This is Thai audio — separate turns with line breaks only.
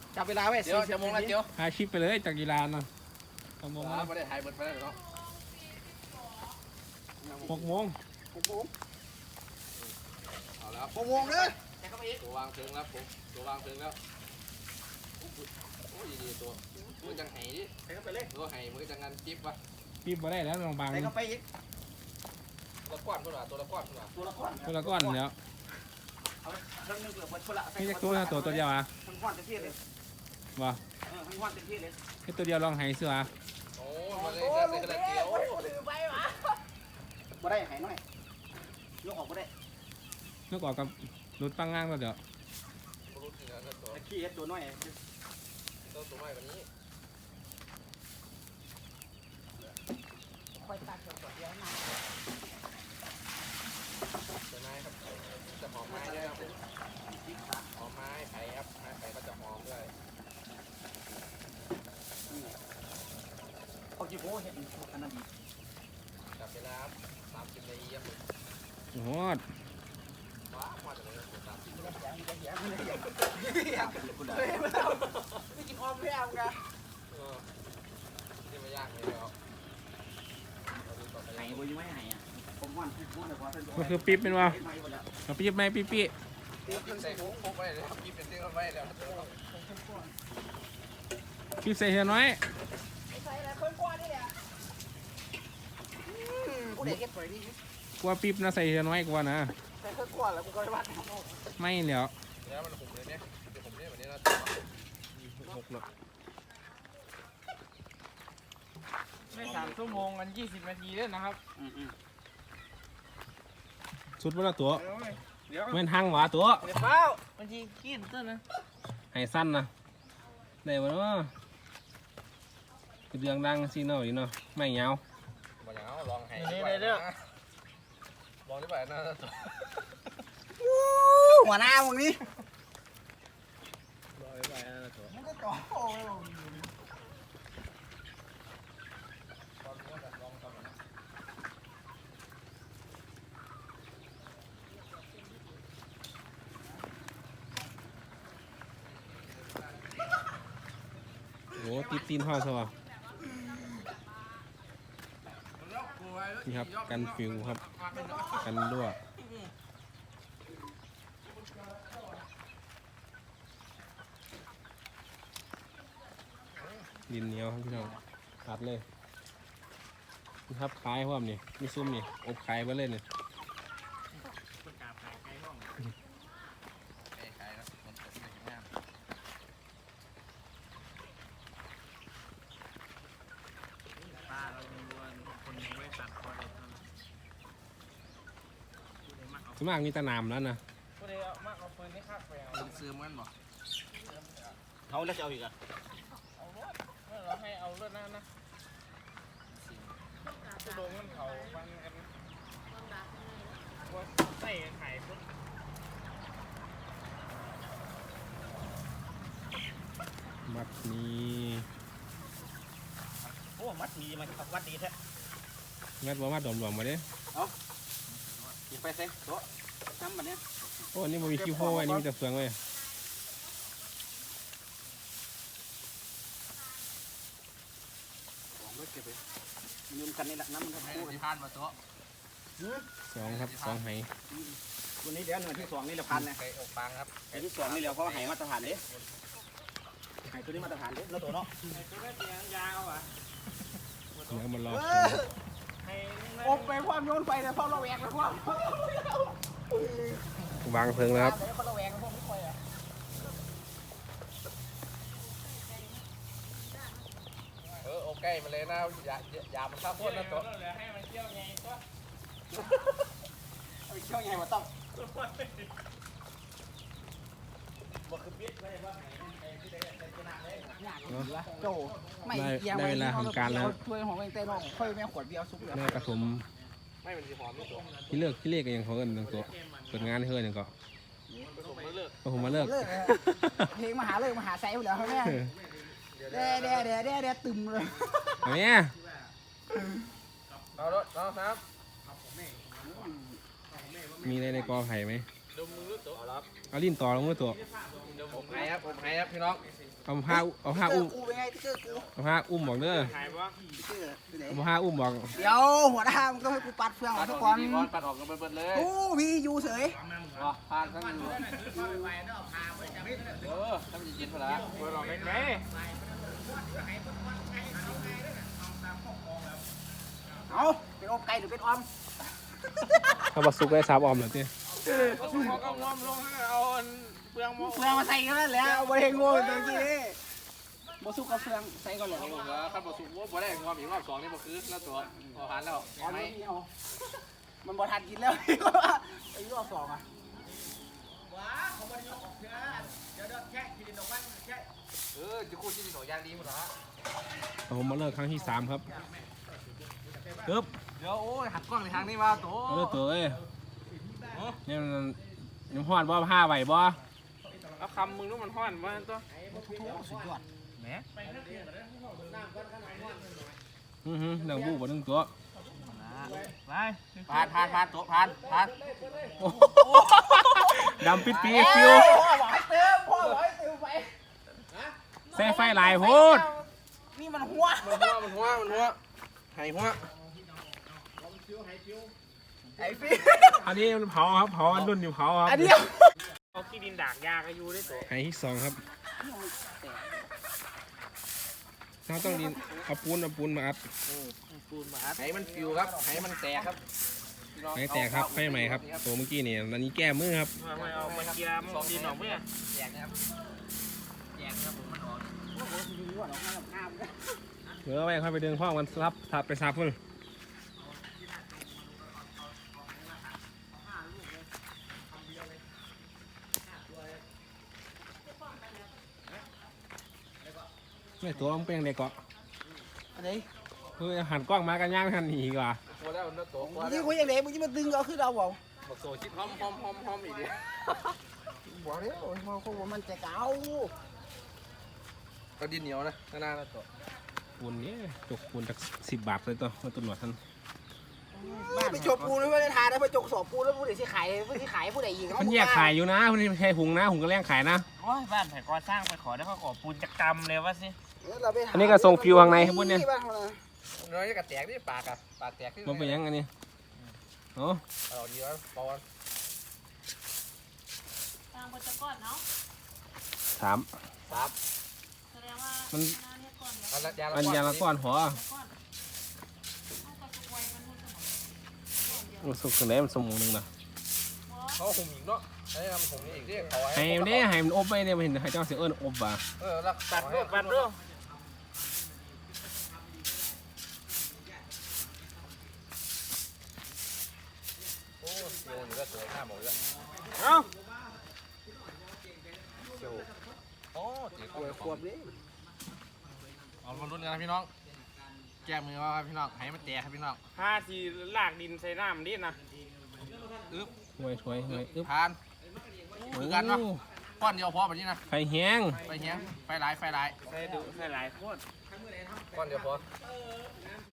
จับเวลาไว้
เดี๋ยวจะมงแล้วเดี๋ยว
ถ่ายคลิปไปเลยจากกีฬาเนาะ6 โมง
ไม่ได้ถ่ายเบิดไปแล้วเนาะ
6 โมง
เอาแล้ว
6 โมงเลย
ตัววางถึงแล้วผมตัววางถึงแล้วโอ้ยดีตัวมันจังไห้ดิ
ใส่เข้าไปเลย
ตัวไห้มันก็จะงานจิ๊บวะ
ปีบมาได้แล้วลองบาง
ใส่เข้าไปอีก
ตัวละก้อนพุ่นว่ะตัวละก้อนพุ่นว่ะ
ตัวละก้อน
ตัวละก้อนเดี๋ยว
เอาเครื่องนึงเกือบหมดคนละ
นี่จะตัวเดียวอ่ะ
ทั้งก้อนเต็มที่เลย
บ่
ทั้งก้อนเต็มที่เลย
แค่ตัวเดียวลองให้เสือ
โอ้มันเลยจะใส่กระเทียม
บ่ได้หายน้อยยกออกบ่ได้
นึกออกกับรุดปังง่างแล้วเดี๋ยว
รู้จริงนะตัว
ตะขี้เฮ็ดตัวน้อย
ตัวใหม่กว่านี้
คอยตัดตัวเดียวนะ
จะไม้ครับจะหอมไม้ด้วยครับหอมไม้ไผ่ครับไม้ไผ่ก็จะหอมด้วย
เอาจีโบ้เฮ็ดอันนั้นดี
จับเวลา30 นาทีครับ
โอ้โห
ว้าวมาจากไหน30 นาที
ไม่กินออมแล้วกัน
นี่ไม่ยากเลยครับ
หายบ่ยังไม่หายอ่ะผมว่าพูดเลยว่าเพิ่น
มันคือปีบเป็นวะเอาปีบไหมปีบ
ใส่พกไว้เลยครับกินเป็นเส้นไว้แล้ว
ปีบใส่เฮียน้อย
ใส่อะไรคนกว่านี่แหละ
กูได้เก็บไว้นี่
กลัวปีบนะใส่เฮียน้อยกว่านะ
ใส่เครื่องกว่าแล้วกูก็ได้วัด
ไม่เดี๋ยว
แล้วมันหุบเลยเนี่ยเดี๋ยวผมเนี่ยวันนี้นะ
6 แล้ว
ไม่3 ชั่วโมงกัน20 นาทีด้วยนะครับ
สุดเวลาตัว
เดี๋ยว
เว้นหังหวาตัว
เดี๋ยวเปล่าบางทีกินต้นนะ
ให้สั้นนะได้บ่เนาะเรื่องดังซีเนาะอีเนาะไม่ยาว
มาอย่างเอาลองให้ลองได้ไหมนะตัว
หัวหน้ามึงนี่
ลองได้ไหมนะตัว
มันก็จ่อโอ้ย
โอ้ติดตีนห่อซะวะนี่ครับกันฟิวครับกันรั่วดินเหนียวครับพี่น้องตัดเลยนี่ครับคล้ายพร้อมนี่มีซุ้มนี่อบคล้ายไปเลยนี่
ใครนะมันตกในน้ำ
ป้าเราเป็นคนในบริษัทพอได้ทำ
ส่วนมากมีแตะนามแล้วนะ
ก็เลยเอามาเอาปืนให้ข้าไปเอา
มันซื้อมันบ่
เขาแล้วจะเอาอีกอ่ะ
เอารถเราให้เอารถนั่นนะจะโดนมันเขาฟันกันว่าใส่ไข่ปุ๊บ
มัดนี้
โอ้มัดมีมันขับวัดดีแท้
งัดบ่มาดอมหลวงมาเด้
อย่าไปเซ็โต๊ะทำแบบนี้
โอ้อันนี่มันมีคิวโพไว้อันนี่มีแต่เฟืองเลย
ของรถเก็บไปยืมกันนี่แหละน้ำมัน
ให้
คู่
ที่พานมาตัว
2ครับ2ไห
วันนี้เดี๋ยวหน่วยที่2นี่เราพันนะ
ไก่อกปังครับ
ไอ้ที่2นี่เราเพราะว่าหายมาตรฐานเด้หายตัวนี้มาตรฐานเด้แล้วตัวเนาะ
ไอ้ตัวนั้นเสียงยาวอ่ะ
เนื้อมันรอ
ให้
อบไปความโยนไปเลยเพราะเราแหวกไปความ
วางเพลิงแล้วครับ
เพราะเราแหวกพวกนี้ไปอ่ะ
โอเคมาเลยนะอย่ามันข้าวโพดนะตัว
เหลือให้มันเที่ยวไงก็
เอาเชี่ยวใหญ่มาต้องบ่คือปิดไว้ว่าไอ้ที่ได้ชนะเลยโจไม่
ได้เวลาทำการแล้ว
ช่วยของเองเต้นองค่อยแม่ขวดเบียร์ซุปเลย
แม่กระสม
ไม่เป็นสีหอมนี่ตัว
ที่เลิกที่เรียกกันยังเขาเอิ้นตัวเปิดงานให้เอิ้นยังก็
ผมไม่เลิก
ก็ผมมาเลิก
เพลงมหาเลยมหาไซส์แล้วแม่เด้ตึมเลย
เอาเนี่ย
เอารถเอาครับ
มีอะไรในกอไผ่ไหม
ดมมือตัวเอาละ
เอาลิ้นต่อลงมือตัว
ผมให้ครับพี่น้อง
เอาผ้าอุ้ม
กูเป็นไงติ๊กเกอร์กู
เอาผ้าอุ้มบอกเด้อ
หายปะ
ติ๊กเกอร์ไปไหน
เอาผ้าอุ้มบอก
เดี๋ยวหัวหน้ามึงต้องให้กูปัดเฟืองอ
ปั
อก
ดอ
ทุ
อก ก
ก่อน
ดีๆปัดออกกันเบิดเลย
กูพี่อยู่เฉย
ผ่านทั้งอยู่ถ้ามันจะเย็นพอละ
เบอร์หลอกไกล
เอาเป็นอบไก่หรือเป็นออม
ถ้าบสุกได้สามออมเหรอที่
ๆก็ถูกเขากำลังลงให้เอาเปลืองม
เฟืองมาใส่กันแล้วแหละเอาบริเวณงูตรงนี้บสุกกับเฟืองใส่ก่อนเลย
เอาลงแล้วขั้นบอสุกบ่ได้งอมอีกรอบ2นี่บ่คือแล้วตัวพอผ่านแล้ว
อ๋อ
ไม่
ไม่เอามันบ่ทันกินแล้วไอ้รอบสองอ่ะ
จะคู่ที่ดินหน่อยยางดีหมดละ
ผมมาเลิกครั้งที่สามครับปึ๊บ
เดี๋ยวโอ้ยหักกล้องในทางนี้มาโต
เอาเลิกตัวเอ้ยนี่มันยังหอดบ่ผ้าไหวบ่
เอาคำมึงนู้มันห้อนว่าตัว
สุดยอด
แหม
หนังบูบ่หนึ่งตัว
ไป
ผ่านโตผ่าน
ดำปิดปีฟิว
พ่อบอกให้เติมพ่อบอกให้เติมไป
ใส่ไฟหลายโพด
นี่มันหัว
มันหัวไห้หัว
ไอ้พี่
อันนี้มันเผาครับเผาอันรุ่นอยู่เผาครับ
อันเดียว
เอาขี้ดินดากยากันอยู่ได้ตัว
ไห้ที่สองครับเราต้องดินเอาปูนมาอัด
ปูนมาอัด
ไห้มันฟิวครับไห้มันแตกครับ
ไฟแตกครับไฟใหม่ครับตัวเมื่อกี้นี่อันนี้แก้มือครับ
ไม่เอามาเกียร์มันดินออกเมื่อ
แตกนะครับแตกครับผมมันออก
โอ้โหดีกว่าดอกไม้กับน้ำนะ
เดี๋ยวเอาไปค่อยไปดึงพ่อมันทับไปซับเพิ่นไม่ตัวมันเป็นยังไงเกาะ
อันนี้
คือหันกล้องมากันย่างหันหนีดีกว่า
พอแล้วมันโตพอ
มึง
แล้
ที่
ว
คุยอย่างไรมึงจะมาดึงเอาขึ้นเอาเปล่า
บอกโซชิดหอมอีกดิ
บอกเลยโอ้ยพ่อคงว่ามันจะเก่า
ก็ดินเหนียวนะข้างหน้าแล้วโต
ปูนนี้จกปูนจาก10 บาทเลยตัวมาตุนหนวดท่าน
ไปจกปูนไม่ได้ทานนะไปจกสอบปูนแล้วผู้ใดที่ขายผู้ใดยิง
มันแยกขายอยู่นะมันไม่ใช่หุงนะหุงก็แรงขายนะ
โอ้ยบ้านแผ่ก่อสร้างไปขอได้เขาขอปูนจักรรมเลยว่าสิ
อันนี้ก็ส่งฟิวข้างในครับพวกเนี้ย
น้อยก็แตกที่ปากแตกที่
มันเป็นยังไงนี่โอ้
เอาดีวะปอน
ตามบทก่อนเนาะ
ถาม
ซับ
แสดงว่า
มัน
หน้าเนี่ยก่อนเดี๋ยว
อันยาละก้อนหัว
ก่อนเอาไปสุกไว้มันนู่นสมอง
มันสุกถึงไหนมันสมองหนึ่งนะ
เขาหุ่มอีกเนาะไอ้ทำหุ่มนี่อีกที่เขา
ให้มันได้ให้มันอบไปเนี่ยมันเห็นให้เจ้าเสือเอิญอบว่ะ
รัก
ตัดรูปตัดรูป
โอ้เซียวอยู่ก็สวยหน้าหมดแล้ว
เอ้า
เซียวโอ้ตีกล้วย
ขวบนี้
เอามาลุ้นกันนะพี่น้องแก้มือว่าพี่น้องให้มันแตกครับพี่น้อง
ผ้าที่ลากดินใส่น้ำดินะ
อึ๊บ
ช่วยอึ๊บ
ทานคือกันเนาะก้อนเดียวพอแบบนี้นะ
ไฟแห้ง
ไฟเหี้ยไฟหลาย
ใส่ดุใส่หลายโคตร
ก้อนเดียวพอ